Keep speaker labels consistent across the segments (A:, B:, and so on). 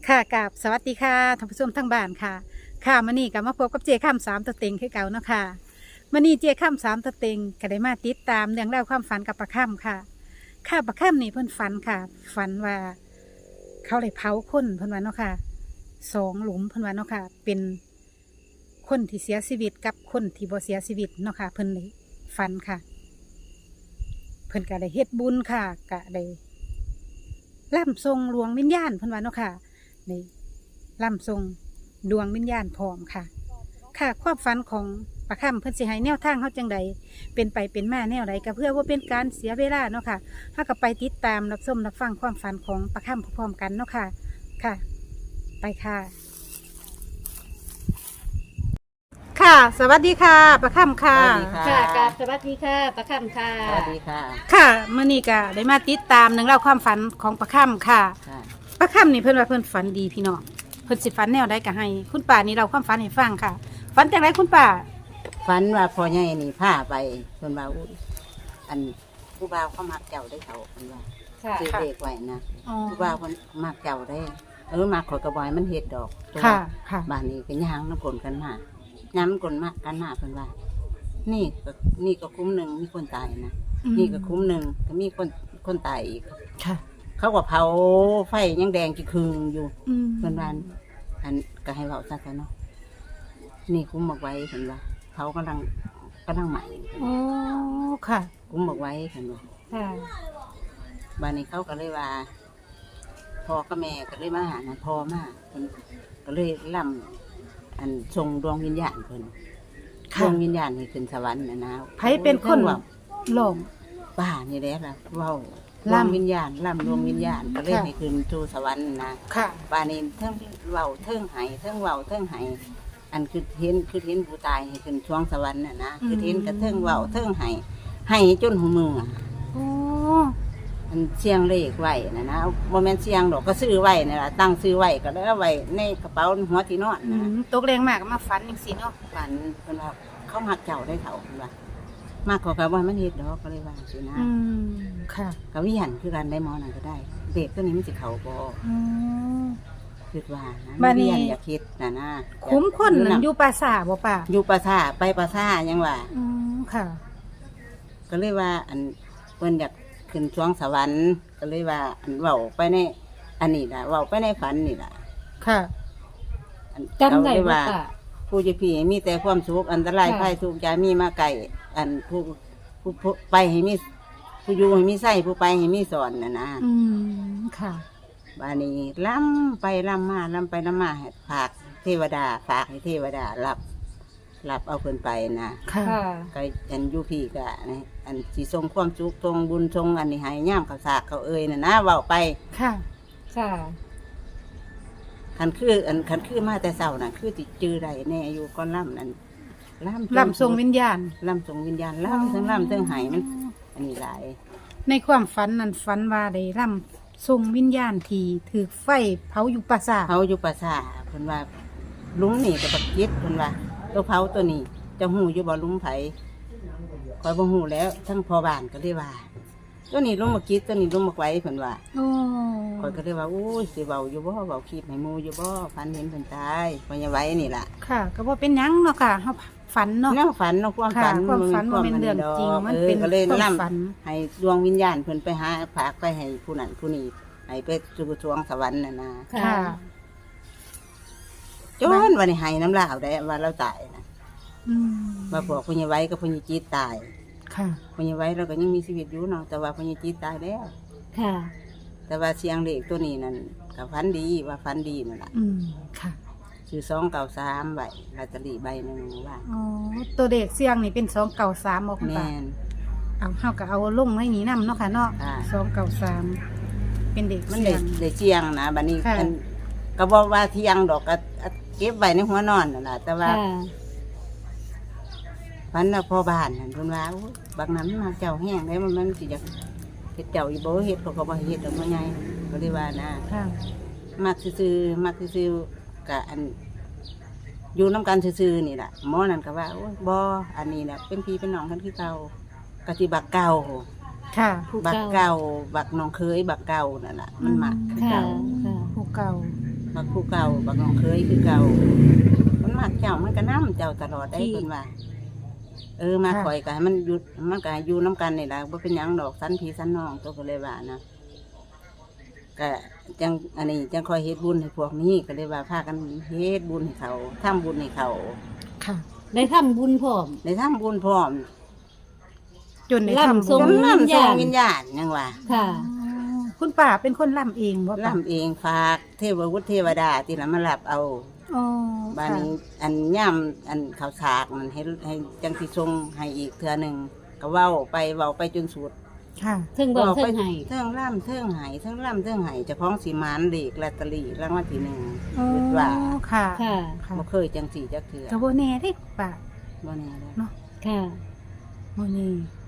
A: ค่ะกับสวัสดีค่ะท่านผู้ชมทั้งบ้านค่ะค่ะมื้อนี้ก็มาพบกับเจข้ามสามตัวเต็งคือเก่าเนาะค่ะมื้อนี้เจข้ามสามตัวเต็งก็ได้มาติดตามเรื่องราวความฝันกับปะค่ำค่ะค่ะปะค่ำนี่เพิ่นฝันค่ะฝันว่าเขาได้เผาคนเพิ่นว่าเนาะค่ะ2 หลุมเพิ่นว่าเนาะค่ะเป็นคนที่เสียชีวิตกับคนที่บ่เสียชีวิตเนาะค่ะเพิ่นได้ฝันค่ะเพิ่นก็ได้เฮ็ดบุญค่ะก็ได้ร่ำทรงดวงวิญญาณเพิ่นว่าเนาะค่ะ ในล่ำทรงดวงวิญญาณพร้อมค่ะ ค่ะความฝันของประค่ำเพิ่นสิให้แนวทางเขาจังใดเป็นไปเป็นมาแนวใดก็เพื่อว่าเป็นการเสียเวลาเนาะค่ะถ้าก็ไปติดตามรับชมรับฟังความฝันของประค่ำพร้อมๆกันเนาะค่ะค่ะ ไปค่ะ ค่ะ สวัสดีค่ะประค่ำค่ะ
B: สวัสดีค่ะ
C: ค่ะกับสวัสดีค่ะประคำค่ะ
B: สวัสดีค่ะ
A: ค่ะมื้อนี้ก็ได้มาติดตามหนึ่องเล่าวความฝันของประค่ำค่ะ
B: ค่ะ
A: ป้าค่ำนี่เพิ่นว่าเพิ่นฝันดีพี่น้องเพิ่นสิฝันแนวใดก็ให้ คุณป้านี่เราความฝันให้ฟังค่ะฝันจากไรคุณป้า
B: ฝันว่าพ่อใหญ่นี่พาไปเพิ่นว่าอุ๊ยอันผู้บ่าวเขามักเจ้าได้เขาเพิ่นว่า
C: ค่ะ
B: ซื้อเลขไว้นะ
A: อ๋อ
B: ผู้บ่าวเพิ่นมักเจ้าได้มักข่อยกระบอยมันเฮ็ดดอกตัว
A: ค่ะค่ะ
B: บ้านนี้ก็ย่างน้ำกลนกันมาย่างน้ำกลนมากันมาเพิ่นว่า นี่ก็นี่ก็คุ้มหนึ่งมีคนตายนะนี่ก็คุ้มหนึ่งก็มีคนตายอีก
A: ค่ะ
B: เขาก็เผาไฟยังแดงกี่คืนอยู่
A: อืม
B: เพิ่นว่าอันก็ให้เว้าซะเนาะนี่คุ้มบอกไว้เห็นว่าเขากำลังใหม่
A: โอ้ค่ะ
B: คุ้มบอกไว้เห็นว่า
A: ค่ะ
B: บ้านนี้เขาก็เลยว่าพ่อกับแม่ก็เลยมาหานะพ่อมาเพิ่นก็เลยล่ำอันทรงดวงวิญญาณเพิ่นด
A: ค่ะ
B: วงวิญญาณให้ขึ้นสวรรค์นะ
A: ไผเป็นคน
B: ว่า
A: หลง
B: ป้านี่แหละล่ะเว้า
A: ล่ำ
B: ดวงวิญญาณล่ำดวงวิญญาณก็เลย
A: ค่ะ
B: ให้ขึ้นสู่สวรรค์นะ
A: ค่ะ
B: บ้านนี้เทิงเว้าเทิงไห้เทิงเว้าเทิงไห้อันคือเห็นผู้ตายให้ขึ้นช่วงสวรรค์น่ะนะคือเห็นกระเทิงเว้าเทิงไห้ให้จนหูมืออะ
A: โอ้
B: อันเสียงเลขไว้นะโมเมนเสียงดอกก็ซื้อไว้นี่ล่ะตั้งซื้อไว้ก็เลยเอาไว้ในกระเป๋าหัวที่นอน
A: อื
B: นะ
A: มตกแรงมากก็มาฝันจังซี่เนาะ
B: ฝันเพิ่นว่าเขามักเจ้าได้เขาเพิ่นว่ามากกว่ากับว่ามันเฮ็ดดอกก็เลยว่าสินะ
A: อืมค่ะ
B: ก็วิหันคือกันได้หมอนั่นก็ได้เด็กตัวนี้มันสิเข้าบ่
A: อืม
B: คิดว่านะ
A: บัดนี้
B: วิหันอย่าคิดนะ
A: คุ้มคนนั่นอยู่ปราสาทบ่ป้า
B: อยู่ปราสาทไปปราสาทยังว่า
A: อืมค่ะ
B: ก็เลยว่าอันเพิ่นอยากขึ้นช่วงสวรรค์ก็เลยว่าอันเว้าไปในอันนี้ล่ะเว้าไปในฝันนี่ล่ะ
A: ค่ะ
B: อัน
C: จำได้
B: เขาเลย
C: ว่า
B: ว่า ผู้จะพี่ให้มีแต่ความสุขอันตรายภัยทุกอย่างมีมาไก่อันผู้ไปให้มีผู้อยู่ให้มีไส้ผู้ไปให้มีสอนนะ
A: อืมค่ะ
B: บานี้ล้ำไปล้ำมาล้ำไปล้ำมาให้ฝากเทวดาฝากให้เทวดารับเอาเพิ่นไปนะ
A: ค่ะ
C: ค่ะ
B: ก็อันอยูพี่ก็นะอันสิทรงความสุขทรงบุญทรงอันนี้ให้ย่ามเขาสากเขาเอ่ยนะเว้าไป
A: ค่ะ
C: ค่ะ
B: คันคือมาแต่เศร้าน่ะคือติจื้อใดแน่อยู่ก้อนล่ำนั่น
A: ล
B: ล่ำ
A: ำทรงวิญญาณ
B: ล่ำทรงวิญญาณล่ำทั้งล่ำทั้งไหายมัน อันนี้หลาย
A: ในความฝันนั้นฝันว่าได้ร่ำทรงวิญญาณที่ถือไฟเผาอยู่ปราสาท
B: เขาอยู่ปราสาทเพิ่นว่าลุงนี่กับบักจิตเพิ่นว่าตัวเผาตัวนี้จะหูอยู่บ่ลุงไผคอยบ่หูแล้วทั้งพ่อบ้านก็เลยว่า ตัวนี้ลุงบักจิตตัวนี้ลุงบักไว้เพิ่นว่า
A: โอ้
B: คอยก็เลยว่าอู้ยสิเว้าอยู่บ่เว้าคลิปให้หมู่อยู่บ่ฝันเห็นเพิ่นตายพ่อใหญ่ไว้นี่ล่ะ
A: ค่ะ ก็บ่เป็นหยังเนาะค่ะเฮาฝันเนาะ
B: แนวฝันเนาะความ
A: ค่ะ
B: ฝัน
A: ความฝันบ่เป็นเรื่องจริงมันเป็น
B: ก็เลย
A: ความ
B: นํ
A: ฝัน
B: ให้ดวงวิญญาณเพิ่นไปหาฝากไปให้ผู้นั้นผู้นี้ให้ไปสู่สวงสวรรค์น่ะนะ
A: ค่ะ
B: จนวันนี้ให้น้ำลาวได้ว่าเราตายนะ
A: อืม
B: ว่าพวกพญาไว้กับพญาจีตตาย
A: ค่ะ
B: พญาไว้เราก็ยังมีชีวิตอยู่เนาะแต่ว่าพญาจีตตายแล้ว
C: ค่ะ
B: แต่ว่าเสียงเด็กตัวนี้นั่นกับฟันดีว่าฟันดีนั่นแหละ
A: อืมค่ะ
B: ชื่อ293ใบลอตเตอรี่ใบหนึ่งว่า
A: อ๋อตัวเด็กเสียงนี่เป็น293บ่คุณ
B: แม่
A: ป้าน เอาเฮาก็เอาลงไว้นี่นํเนาะค่ะเนาะ
B: ค่ะ
A: 293เป็นเด็ก
B: มัน
A: เสี
B: ได้
A: ยง
B: ได้เสียงนะบัดนี้
A: ค่ะ
B: อันก็บอกว่าเที่ยงดอกก็เก็บไว้ในหัวนอนนั่นแหละแต่ว่า
C: ค่ะ
B: ฟันว่าพ่อบ้านนั่นเพิ่นว่าโอ้ยบางนั้นมาเจ้าแห้งได้มันสิจะเฮ็ดเจ้าอีบ่เฮ็ดเขาก็บ่เฮ็ดดอกว่าไงก็เลยว่านะ
A: ค่ะ
B: มักซื่อๆมักซื่อๆก็อันอยู่นํกันซื่อๆนี่ล่ะหมอนั่นก็ว่าโอ้ยบ่อันนี้น่ะเป็นพี่เป็นน้องกันคือเก่าก็สิบักเก่า
A: ค่ะ
B: บักเก่าบักน้องเคยบักเก่านั่นล่ะมันมักคือ
C: ค่ะ
B: เก่า
C: ค่ะ
A: ผู้เก่า
B: มักผู้เก่าบักน้องเคยคือเก่ามันมักเจ้ามันก็น้ำเจ้าตลอดได้เพิ่นว่ามาคอยกันมันอยู่น้ำกันนี่ล่ะบ่เป็นหยังดอกสันพี่สันน้องตัวก็เลยว่านะก็จังอันนี้จังคอยเฮ็ดบุญให้พวกนี้ก็เลยว่าพากันเฮ็ดบุญให้เขาทำบุญให้เขา
A: ค่ะ
C: ได้ทำบุญพร้อม
B: ได้ทำบุญพร้อม
A: จนได้
C: ล่ำ
A: ทำ
C: ทรง
A: บุญ
B: จำนำส่งวิญญาณยังว่า
C: ค่ะ
A: คุณป้าเป็นคนล่ำเองบ่ป้า
B: ล่ำเองฝากเทววุฒิเทวดาที่ละมารับเอา
A: อ๋อ
B: บ้านนี้อันย่ำอันข่าวสากมันให้จังสิทรงให้อีกเทื่อหนึ่งก็เว้าไปจนสุด
A: ค่ะ
C: เทิงบอกเทิงให้
B: เทิงล่ำเทิงไห้เทิงล่ำเทิงไห้เจ้าของสีมานเลขลอตเตอรี่รางวัลที่
A: อ๋อ
B: 1คิดว่า
A: ค่ะ
C: ค่ะ
A: ค่ะ
B: บ่เคยจังสีจักเทื่อ
A: ก็บ่แน่เด้ป้า
B: บ่แน่เลย
A: เนาะ
C: ค่ะ
A: บ่แน่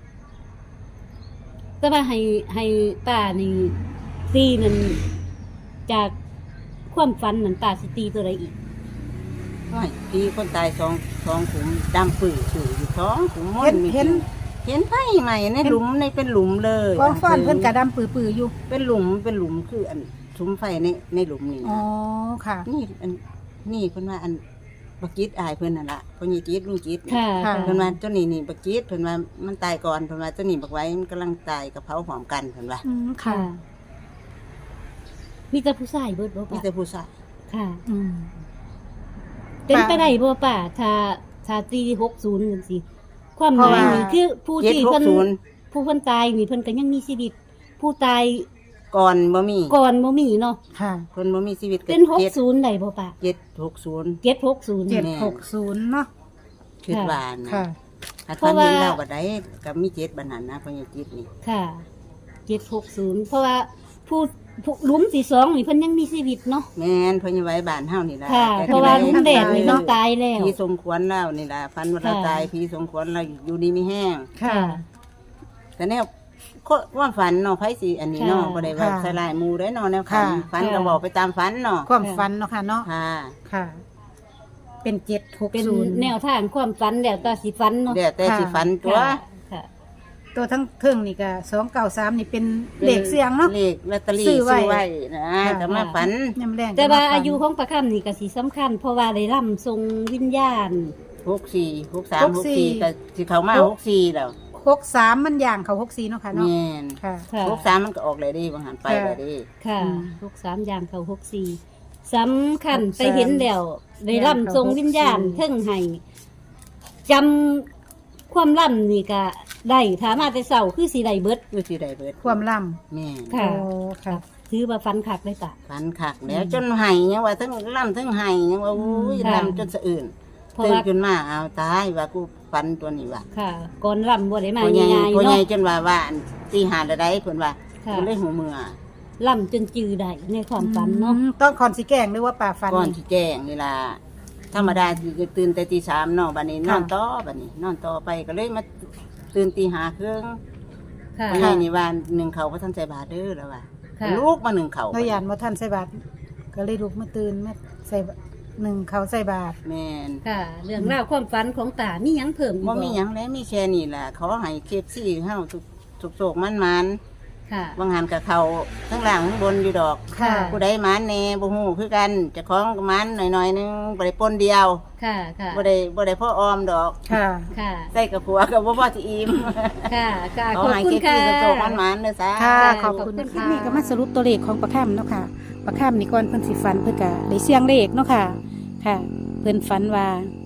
C: แต่ว่าให้ป้านี่ตีนั่นจากความฝันนั่นป้าสิตีตัวใดอีก
B: น้อยพี่คนตายสองขุมดำปื้ออยู่ท้องขุมม
A: เห็น
B: เห็นไฟใหม่ในหลุมในเป็นหลุมเลย
A: กองฟ้อนเพิ่นกระดำปื้อๆอยู่
B: เป็นหลุมคืออันสุมไฟในหลุมนี่
A: อ๋อ
B: นะ
A: ค่ะ
B: นี่อันนี่เพิ่นว่าอันบักจิตอายเพิ่นนั่นล่ะพ่อใหญ่จิตลุงจิต
C: ค่ะ
A: ค่ะ
B: เพิ่นว่าเจ้านี่บักจิตเพิ่นว่ามันตายก่อนเพิ่นว่าเจ้านี่บักไว้มันกำลังตายกับเผาพร้อมกันเพิ่นว่า
A: อืมค่ะ
C: ค่ะ มีแต่ผู้ชายเบิดบ่
B: มี
C: ป้า
B: แต่ผู้ชาย
C: ค่ะ
A: อืม
C: เป็นไปได้บ่ป้าถ้าตี60จังซี่ความห
A: เพราะ
C: มาย
A: ว่า
C: นี่คือผู้ที่เพิ่น
B: 760
C: ผู้เพิ่นตายนี่เพิ่นก็ยังมีชีวิต ผู้ตาย
B: ก่อนบ่มี
C: ก่อนบ่มีเนาะ
A: ค่ะ
B: เพิ่นบ่มีชีวิตก็
C: เป็น60ได้บ่ป้า
B: 760
C: 760
A: 760เนาะ
B: คิดว่านะ
A: ค่ะ
B: ถ้า
C: เพ
B: ท่าน
C: ราะว่า
B: เห็นแล้วบัดใดก็มี7บัดนั้นนะพ่อใหญ่จิตนี่
C: ค่ะ760เพราะว่าผู้หลุมที่2นี่เพิ่นยังมีชีวิตเนาะ
B: แม่นพ่อใหญ่ไว้บ้านเฮานี่ล่ะ
C: ค่ะ
B: แต่
C: เพราะว่าหลุมแดดนี่
A: เนาะ
C: มันตายแล้ว
B: พี่สมควรแล้วนี่ล่ะฟันว่าเรา
C: ค่ะ
B: ตายพี่สมควรเราอยู่ดีมีแห้ง
A: ค่ะ
B: แต่แนวความฝันเนาะไผสิอันนี้เนาะ
C: ค่ะ
B: บ่ได้ว่า
A: ค่ะ
B: ใส่ลายหมู่ได้เนาะแนวฝัน
A: ค่ะ
B: ฝันก็บอกไปตามฝันเนาะ
A: ความฝันเนาะค่ะเนาะ
B: ค่ะ
A: ค่ะ เป็น
C: เป็น
A: 760
C: แนวทางความฝันแล้วแต่สิฝันเนาะ
B: เดี๋ยวแต่สิฝันตัว
C: ค่ะค่ะ
A: ตัวทั้งเทิงนี่ก็293นี่เป็นเลขเสียงเนาะ
B: เลขลอตเตอรี่
A: ซื้อไว้
B: ซื้อไว้นะ
A: ค่ะ
B: แต่มาฝัน
A: ยามแรง
C: แต่ว่า
A: ก็มฝัน
C: อายุของประคำนี่ก็สิสำคัญ เพราะว่าได้ร่ำทรงวิญญาณ
B: 64 63 64ก็สิเข้ามา64แล้ว
A: 63มันย่างเขา64เนาะค่ะเนาะ
B: แม่น
A: ค่ะ
C: ค่ะ
B: 63มันก็ออกเลยดิบางหันไปเลยดิ
C: ค่ะ
A: อืม
C: 63อย่างเขา64สำคัญไปเห็นแล้วได้ร่ำทรงวิญญาณ
A: 64
C: เทิงให้จำความร่ำนี่ก็ได้ถามาแต่เช้าคือสิได้เบิด
B: คือสิได้เบิด
A: ความล่
B: แม่น
A: ำ
C: ค่ะ
A: โอ้ค่ะ
C: ถือว่าฟันขาดเลยตะ
B: ฝันคักแล้วจนไห้ยังว่าทั้งล่ำทั้งไห้ยังว่าอุ้ย
C: ค่ะ
B: ล่ำจนสะอื่น
C: เพราะ
B: ตื่น
C: ว่า
B: ขึ้นมาเอาตายว่ากูฝันตัวนี้ว่า
C: ค่ะก่อนร่ำบ่ได้มา
B: พ่อใหญ่
C: ง่ายๆ
B: พ่อใหญ่
C: เนาะ
B: จนว่าอันตีหาละได้เพิ่นว่า
C: ค่ะ
B: เพิ่นเลยหูเมือ
C: ล่ำจนจือได้ในความฝันเนาะ
A: ต้องคอนสิแกล้งหรือว่าป่าฟัน
B: ก่อน
A: นี่
B: สิแจ้งนี่ล่ะธรรมดาสิตื่นแต่ตี3เนาะบัดนี้น
A: ค่ะ
B: อนต่อบัดนี้นอนต่อไปก็เลยมาตื่นตี5ครึ่ง
C: ค่ะ
B: พ่อใหญ่นี่ว่าหนึ่งเขาบ่ทันใส่บาตรเด้อแล้วว่า
C: ค่ะ
B: ลูกมาหนึ่งเขา
A: เรายานบ่ทันใส่บาตรก็เลยลุกมาตื่นมาใส่หนึ่งเขาใส่บาตร
B: แม่น
C: ค่ะ เรื่องราวความฝันของตามีหยังเพิ่มอีก
B: บ่มีหยังแล้วมีแค่นี้ล่ะขอให้เคฟซี่เฮาทุกโศกมันๆ
C: ค่ะ
B: บางหันกับเขาทั้งล่างทั้งบนอยู่ดอก
A: ค่ะ
B: ผู้ใดหมานแหน่บ่ฮู้คือกันเจะคล้าของก็หมานหน่อยๆนึงบ่ได้ปนเดียว
C: ค่ะ ค่ะ
B: บ่ได้พ่อออมดอก
A: ค่ะ
C: ค่ะ
B: ใส่กับผัวก็บ่พอสิอิ่ม
C: ค่ะ ค่ะ
B: ข
C: ข
B: อ
C: อบ
B: ให้
C: คุณ
B: เก็บ
C: ค่ะ
B: ที่กระโจกมันหมานเด้อจ้า
A: ค่ะ
C: ค่ะ
A: ขอบคุณ
C: ขอบคุณ
A: คลิป
C: ค่ะ
A: นี้ก็มาสรุปตัวเลขของประคำเนาะค่ะประคำนี่ก่อนเพิ่นสิฝันเพิ่นก็ได้เสียงเลขเนาะค่ะ ค่ะ เพิ่นฝันว่า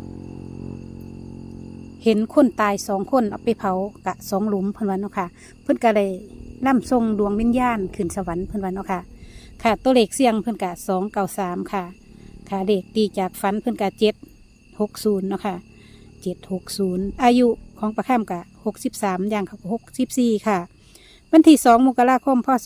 A: เห็นคนตาย2 คนเอาไปเผากะ2 หลุมเพิ่นว่าเนาะค่ะ เพิ่นก็ได้นำส่งดวงวิญญาณขึ้นสวรรค์เพิ่นว่าเนาะค่ะ ค่ะ ตัวเลขเสียงเพิ่นกะ293ค่ะ ค่ะเลขตีจากฝันเพิ่นกะ760เนาะค่ะ760อายุของประคำกะ63อย่างเขา64ค่ะ วันที่2 มกราคม พศ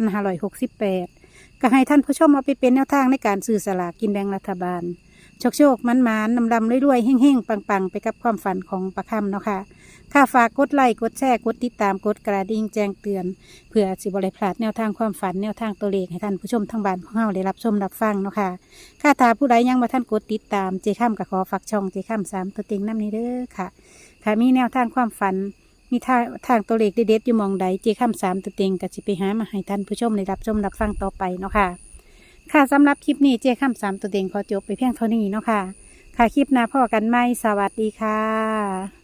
A: 2568 ก็ให้ท่านผู้ชมเอาไปเป็นแนวทางในการซื้อสลากกินแบ่งรัฐบาล โชคมันนำรวยๆเฮ่งๆ ปังๆ ไปกับความฝันของประคำเนาะค่ะค่าฝากกดไลค์กดแชร์กดติดตามกดกระดิ่งแจ้งเตือน เพื่อสิบริพลาดแนวทางความฝันแนวทางตัวเลขให้ท่านผู้ชมทางบ้านของเราได้รับชมรับฟังเนาะค่ะค่าตาผู้ใดยังมาท่านกดติดตามเจข้ามกับขอฝากช่องเจข้าม3ตัวเต็งน้ำนี้เด้อค่ะค่ะมีแนวทางความฝัน มีทางตัวเลขเด็ดๆอยู่หมองใดเจข้าม3ตัวเต็งก็สิไปหามาให้ท่านผู้ชมได้รับชมรับฟังต่อไปเนาะค่ะค่ะสำหรับคลิปนี้เจ้าข้ามสามตัวเต็งขอจบไปเพียงเท่านี้เนาะค่ะค่ะคลิปหน้าพ่อกันไหมสวัสดีค่ะ